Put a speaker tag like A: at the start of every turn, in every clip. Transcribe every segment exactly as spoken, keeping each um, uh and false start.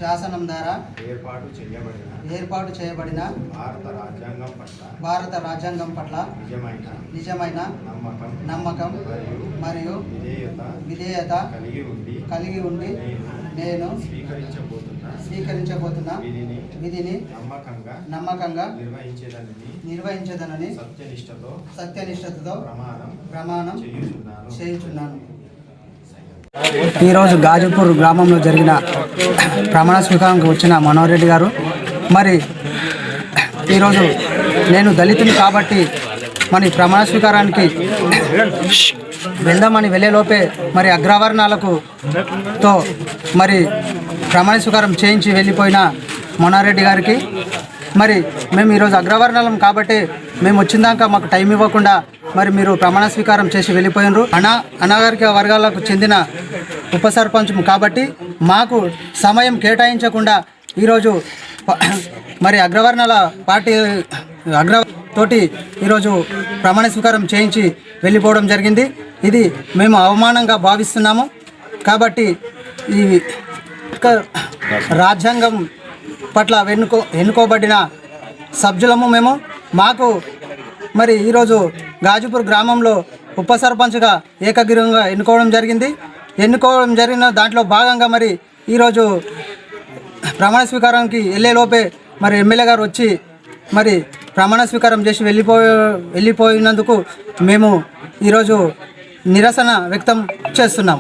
A: శాసనం ద్వారా
B: ఏర్పాటు చేయబడిన
A: ఏర్పాటు చేయబడిన
B: భారత రాజ్యాంగం పట్ల
A: భారత రాజ్యాంగం పట్ల
B: నిజమైన
A: నిజమైన
B: నమ్మకం
A: నమ్మకం
B: మరియు
A: మరియు
B: విధేయత
A: విధేయత
B: కలిగి ఉండి
A: కలిగి ఉండి
B: నేను
A: నేను
B: స్వీకరించబోతున్న
A: స్వీకరించబోతున్న
B: విధిని
A: విధిని
B: నమ్మకంగా
A: నమ్మకంగా
B: నిర్వహించేదానిని
A: నిర్వహించదనని
B: సత్యనిష్టతో
A: సత్యనిష్టతతో
B: ప్రమాణం
A: ప్రమాణం
B: చేయుచున్నాను
A: చేయుచున్నాను. ఈరోజు గాజుపూర్ గ్రామంలో జరిగిన ప్రమాణ స్వీకారానికి వచ్చిన మనోహర్ రెడ్డి గారు, మరి ఈరోజు నేను దళితుని కాబట్టి మరి ప్రమాణ స్వీకారానికి వెళ్దామని వెళ్ళేలోపే మరి అగ్రవర్ణాలకు తో మరి ప్రమాణ స్వీకారం చేయించి వెళ్ళిపోయిన మనోహర్ రెడ్డి గారికి, మరి మేము ఈరోజు అగ్రవర్ణాలం కాబట్టి మేము వచ్చిందాక మాకు టైం ఇవ్వకుండా మరి మీరు ప్రమాణ స్వీకారం చేసి వెళ్ళిపోయినారు. అనా అనాగరిక వర్గాలకు చెందిన ఉప సర్పంచ్ కాబట్టి మాకు సమయం కేటాయించకుండా ఈరోజు మరి అగ్రవర్ణాల పార్టీ అగ్ర తోటి ఈరోజు ప్రమాణ స్వీకారం చేయించి వెళ్ళిపోవడం జరిగింది. ఇది మేము అవమానంగా భావిస్తున్నాము. కాబట్టి ఈ రాజ్యాంగం పట్ల ఎన్నుకో ఎన్నుకోబడిన సభ్యులము మేము. మాకు మరి ఈరోజు గాజుపూర్ గ్రామంలో ఉప సర్పంచ్గా ఏకగ్రీవంగా ఎన్నుకోవడం జరిగింది. ఎన్నుకోవడం జరిగిన దాంట్లో భాగంగా మరి ఈరోజు ప్రమాణ స్వీకారానికి వెళ్ళేలోపే మరి ఎమ్మెల్యే గారు వచ్చి మరి ప్రమాణ స్వీకారం చేసి వెళ్ళిపో వెళ్ళిపోయినందుకు మేము ఈరోజు నిరసన వ్యక్తం చేస్తున్నాం.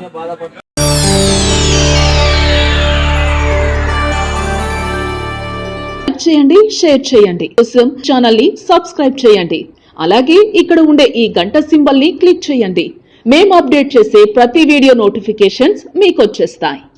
C: చేయండి, షేర్ చేయండి, కోసం ఛానల్ ని సబ్స్క్రైబ్ చేయండి. అలాగే ఇక్కడ ఉండే ఈ గంట సింబల్ ని క్లిక్ చేయండి. మేము అప్డేట్ చేసే ప్రతి వీడియో నోటిఫికేషన్స్ మీకు వచ్చేస్తాయి.